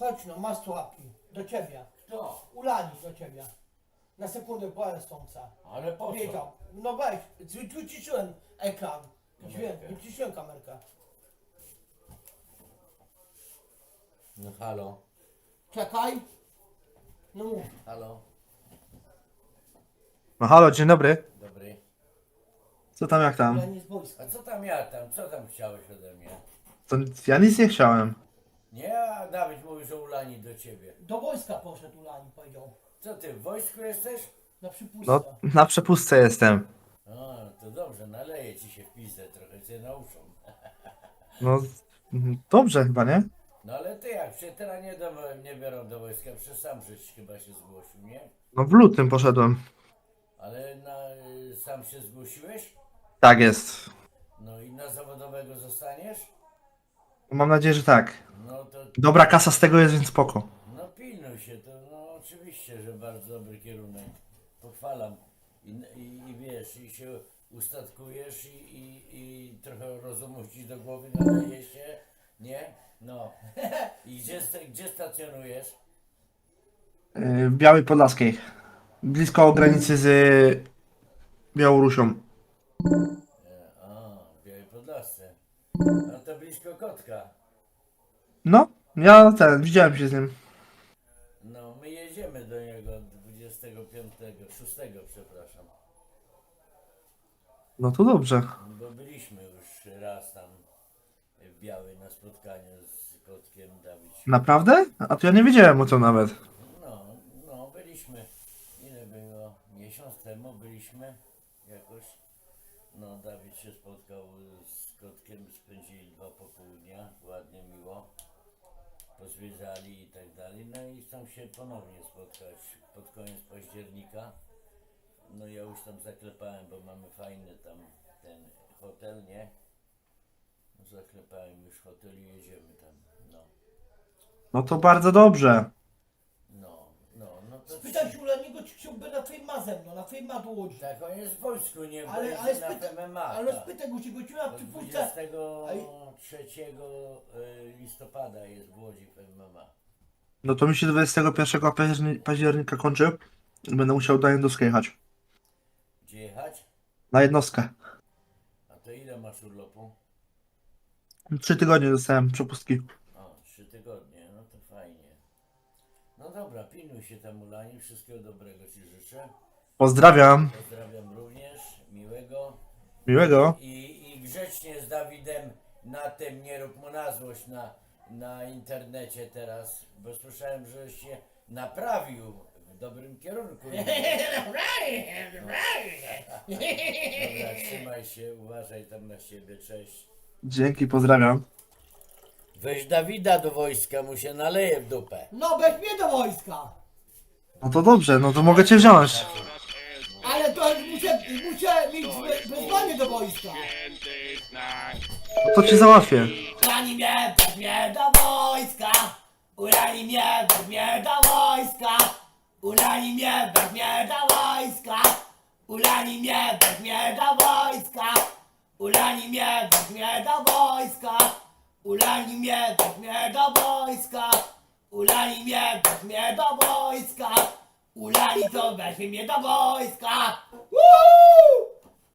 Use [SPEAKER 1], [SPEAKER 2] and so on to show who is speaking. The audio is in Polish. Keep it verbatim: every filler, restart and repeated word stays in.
[SPEAKER 1] chodź no, masz sławki. Do ciebie.
[SPEAKER 2] Kto?
[SPEAKER 1] Ulani do ciebie. Na sekundę po stąca.
[SPEAKER 2] Ale po co?
[SPEAKER 1] Powiedział. No weź, wy- wyciszyłem ekran. Dźwięk,
[SPEAKER 2] Kamerkę.
[SPEAKER 1] wyciszyłem kamerkę.
[SPEAKER 2] No halo,
[SPEAKER 1] Czekaj. No mów.
[SPEAKER 2] halo,
[SPEAKER 3] No halo, dzień dobry.
[SPEAKER 2] dobry.
[SPEAKER 3] Co tam, jak tam?
[SPEAKER 1] Ulani z wojska.
[SPEAKER 2] A co tam ja tam, co tam chciałeś ode mnie?
[SPEAKER 3] To ja nic nie chciałem.
[SPEAKER 2] Nie, a Dawid mówi, że ulani do ciebie.
[SPEAKER 1] Do wojska poszedł Ulani, powiedział.
[SPEAKER 2] Co ty, w wojsku jesteś?
[SPEAKER 1] Na przypustce.
[SPEAKER 3] No, na przepustce jestem.
[SPEAKER 2] A, to dobrze, naleję ci się w pizdę, trochę cię nauczą.
[SPEAKER 3] No, mhm, dobrze chyba, nie?
[SPEAKER 2] No ale ty jak, się teraz nie, do, nie biorą do wojska, przecież sam żeś chyba się zgłosił, nie?
[SPEAKER 3] No w lutym poszedłem.
[SPEAKER 2] Ale na, y, sam się zgłosiłeś?
[SPEAKER 3] Tak jest.
[SPEAKER 2] No i na zawodowego zostaniesz?
[SPEAKER 3] Mam nadzieję, że tak.
[SPEAKER 2] No to,
[SPEAKER 3] Dobra kasa z tego jest, więc spoko.
[SPEAKER 2] no pilnuj się, to no oczywiście, że bardzo dobry kierunek. Pochwalam. I, i, i wiesz, i się ustatkujesz i, i, i trochę rozumu ci do głowy nadaje się, nie? No. I gdzie, sta- gdzie stacjonujesz?
[SPEAKER 3] Yy, W Białej Podlaskiej. Blisko granicy z Białorusią.
[SPEAKER 2] E, A, w Białej Podlasce. No to blisko Kotka.
[SPEAKER 3] No, ja ten, widziałem się z nim.
[SPEAKER 2] No, my jedziemy do niego dwudziestego piątego, szóstego przepraszam.
[SPEAKER 3] No to dobrze.
[SPEAKER 2] Bo byliśmy już raz tam w Białej na spotkaniu z Kotkiem Dawid.
[SPEAKER 3] Naprawdę? A to ja nie wiedziałem o tym nawet.
[SPEAKER 2] No, no, byliśmy. Ile było? Miesiąc temu byliśmy jakoś. No, Dawid się spotkał z Kotkiem, spędzili dwa popołudnia, ładnie, miło. Pozwiedzali i tak dalej. No i chcą się ponownie spotkać pod koniec października. No ja już tam zaklepałem, bo mamy fajny tam ten hotel, nie? Zaklepałem już hotel i jedziemy tam. No,
[SPEAKER 3] No to bardzo dobrze.
[SPEAKER 2] no, no, no to...
[SPEAKER 1] Spytać Ulaniego, czy chciałby na fejma ze mną, na fejma do Łodzi.
[SPEAKER 2] Tak, on jest w wojsku, nie
[SPEAKER 1] Ale,
[SPEAKER 2] będzie
[SPEAKER 1] ale,
[SPEAKER 2] na
[SPEAKER 1] spyta,
[SPEAKER 2] F M M A.
[SPEAKER 1] ale
[SPEAKER 2] tak.
[SPEAKER 1] spytaj go, czy go na
[SPEAKER 2] Od
[SPEAKER 1] przypustce.
[SPEAKER 2] dwudziestego trzeciego listopada jest w Łodzi F M M A.
[SPEAKER 3] No to mi się dwudziestego pierwszego październi- października kończy. Będę musiał do jednostki jechać.
[SPEAKER 2] Gdzie jechać?
[SPEAKER 3] Na jednostkę.
[SPEAKER 2] A to ile masz urlopu?
[SPEAKER 3] Trzy tygodnie dostałem przepustki.
[SPEAKER 2] O, trzy tygodnie, no to fajnie. No dobra, pilnuj się tam Ulani, wszystkiego dobrego ci życzę.
[SPEAKER 3] Pozdrawiam.
[SPEAKER 2] Pozdrawiam również, miłego.
[SPEAKER 3] Miłego.
[SPEAKER 2] I, i grzecznie z Dawidem na tym, nie rób mu na złość na, na internecie teraz, bo słyszałem, że się naprawił w dobrym kierunku. Dobra, trzymaj się, uważaj tam na siebie, cześć.
[SPEAKER 3] Dzięki, pozdrawiam.
[SPEAKER 2] Weź Dawida do wojska, mu się naleje w dupę.
[SPEAKER 1] No weź mnie do wojska.
[SPEAKER 3] No to dobrze, no to mogę cię wziąć.
[SPEAKER 1] Ale to muszę, muszę mieć we- wezwanie do wojska.
[SPEAKER 3] No to cię załatwię.
[SPEAKER 1] Ulani mnie, weź mnie do wojska. Ulani mnie, weź mnie do wojska. Ulani mnie, weź mnie do wojska. Ulani mnie, weź mnie do wojska. Ulani mnie, weź mnie do wojska. Ulani mnie, weź mnie do wojska. Ulani mnie, weź mnie do wojska. Ulani to weźmie mnie do wojska. Woo!